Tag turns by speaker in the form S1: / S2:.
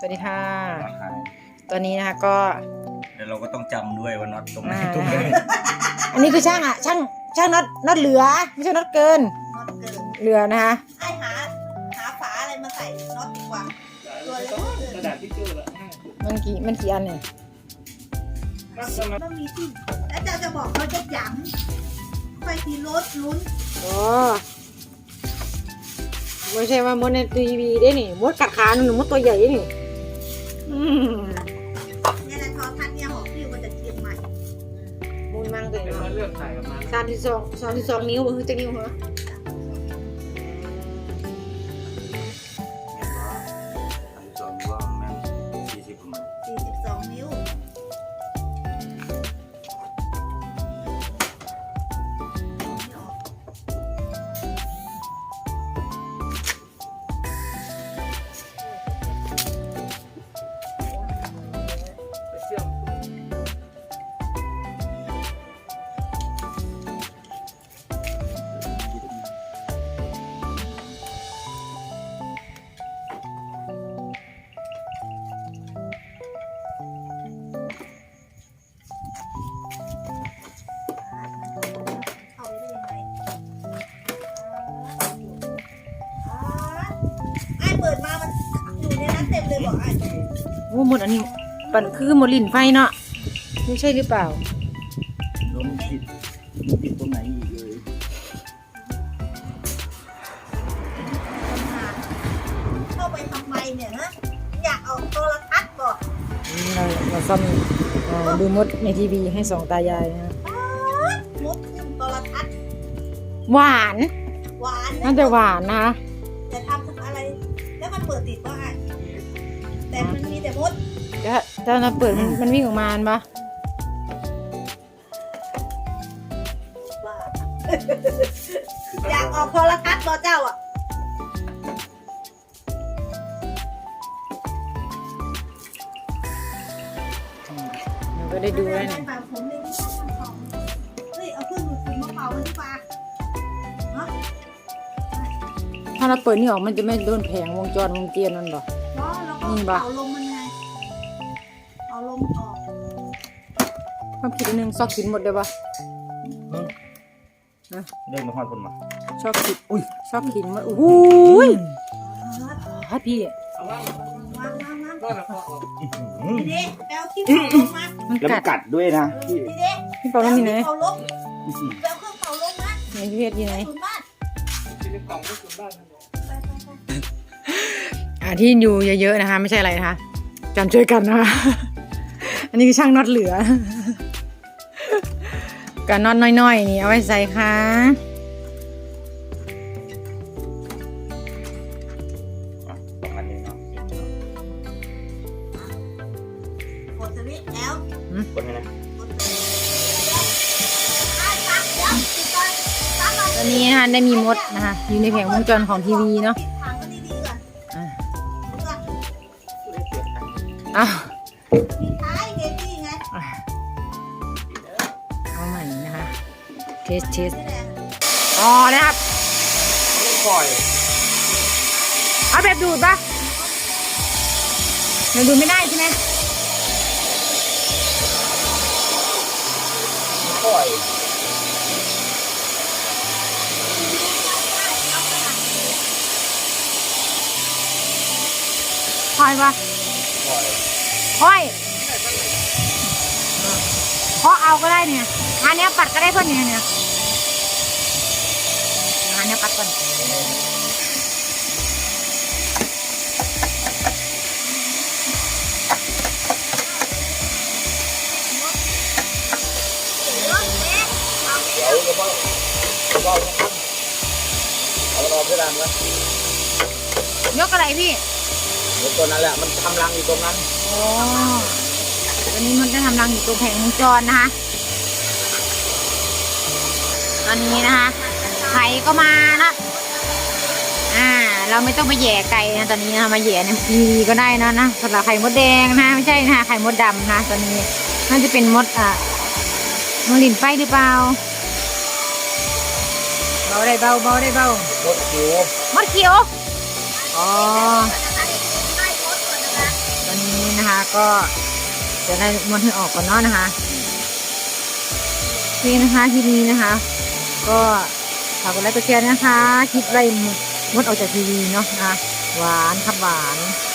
S1: วัสดีค่ะตอนนี้นะคะก็
S2: เดี๋ยวเราก็ต้องจำด้วยว่าน็อตตรงไหน
S1: ตรงไหนอันนี้คือช่างน็อตเหลือไม่ใช่น็อตเกินเหลือนะคะ
S3: ไอหาฝาอะไรมาใส่น็อตดีกว่าตัวเล็กกระดาษทิชชู่ละ
S1: มันกี่อันเนี่ย
S3: ต้องมีที่แล้วจะบอกเขาจะหยั่งไปทีรถลุ้น
S1: อ๋อไม่ใช่ว่ามดในทีวีได้นี่มดกัดขาหนูมดตัวใหญ่นี่
S3: เนี่ยนะทอทัศน์เนี่ยหอบพิ้วมาจากเชียงใหม่
S1: มูลมังตัวเ
S4: องเลือกใส่ออกมา
S1: 32นิ้วมันคือจะนิ้วเหรอ
S3: 42 นิ้วเปิดมามันอยู่ในนั้นเต็มเลยบอกไอ้
S1: โอ้หมดอันนี้ปั่นคือหมดลิ่นไฟเนาะไม่ใช่หรือเปล่า
S2: ลมติดตรงไหนอีกเลย
S3: เข้าไปทำไมเนี่ยฮะอยากเอาโทรทัศน์บอก
S1: เราซ่อมดูมดในทีวีให้สองตายายนะ
S3: มดขึ้นโทรทัศน์
S1: หวาน
S3: น่า
S1: จะหวานนะ
S3: จะทำอะไรแล้วมันเปิดติดว่าไงแต่มันมีแต่มด
S1: ถ้าเราเปิดมันวิ่งออกมาปะ
S3: อยากออกโทรทัศน์บอเจ้าอ่ะ
S1: เราก็ได้ดูแล้วเนี่ย
S3: เฮ้ยเอาเครื่องดูดฝุ่นมาเป่ามันดีกว่า
S1: ถ้าเราเปิดนี่ออกมันจะไม่โดนแผงวงจรวงเตียนนั่นหรอ
S3: นี่ปะเอาลมมันไงเอาลมออก
S1: ความคิดนึงซอกกินหมดเลยปะ
S2: เดินมาพอดคนมา
S1: ชอบกินชอบกินหมดโอ้ยฮัทพี่
S3: วางดีเด็กแปลที่เป่าลมมา
S2: แล้วกัดด้วยนะ
S3: ดีเด็ก
S1: ที่เป่าลมมีไหน
S3: เป่าลมแปลเครื่องเป่าลมนะ
S1: ไหนพี่เพชรอยู่ไหนที่อยู่เยอะๆนะคะไม่ใช่อะไรนะคะจำช่วยกันนะคะอันนี้คือช่างน็อตเหลือกับน็อตน้อยๆนี่เอาไว้ใส่ค่ะ
S3: กดสวิตช์แล้ว
S2: กดไงนะ
S1: ตอนนี้นะคะได้มีมดนะคะอยู่ในแผงวงจรของทีวีเนาะอ้าวเอาใหม่นะคะเทสอ๋อนะครับ
S2: ปล่อย
S1: เอาแบบดูดปะแบบดูดไม่ได้ใช่ไหม
S2: ปล่อย
S1: ปะค่อยเพราะเอาก็ได้เนี่ยงานนี้ปัดก็ได้เพื่อนเนี่ยงานนี้ปัดก่อน
S2: เดี๋ยวก็เอาเพดานไว้
S1: ยกอะไรพี่
S2: ยกตัวนั้นแหละมันทำรังอยู่ตรงนั้น
S1: อ๋อตอนนี้มันจะทำรังอยู่ตรงแผงวงจรนะคะตอนนี้นะคะไข่ก็มานะเราไม่ต้องไปแย่ไก่นะตอนนี้นะมาแย่ในทีวีก็ได้นะสำหรับไข่มดแดงนะไม่ใช่นะไข่มดดำนะตอนนี้น่าจะเป็นมดหลินไฟหรือเปล่า เบาได้เบาเบาได้เบาม
S2: ดคิว
S1: มดเขียวอ๋ออนนี้นะคะ ก็จะได้ม้วนให้ออกก่อนเนาะนะคะโอเคนะคะคลิปนี้นะคะ ก็ฝากกดไลค์กดแชร์นะคะคลิปไล่มดออกจากทีวีเนาะนะคะหวานครับหวาน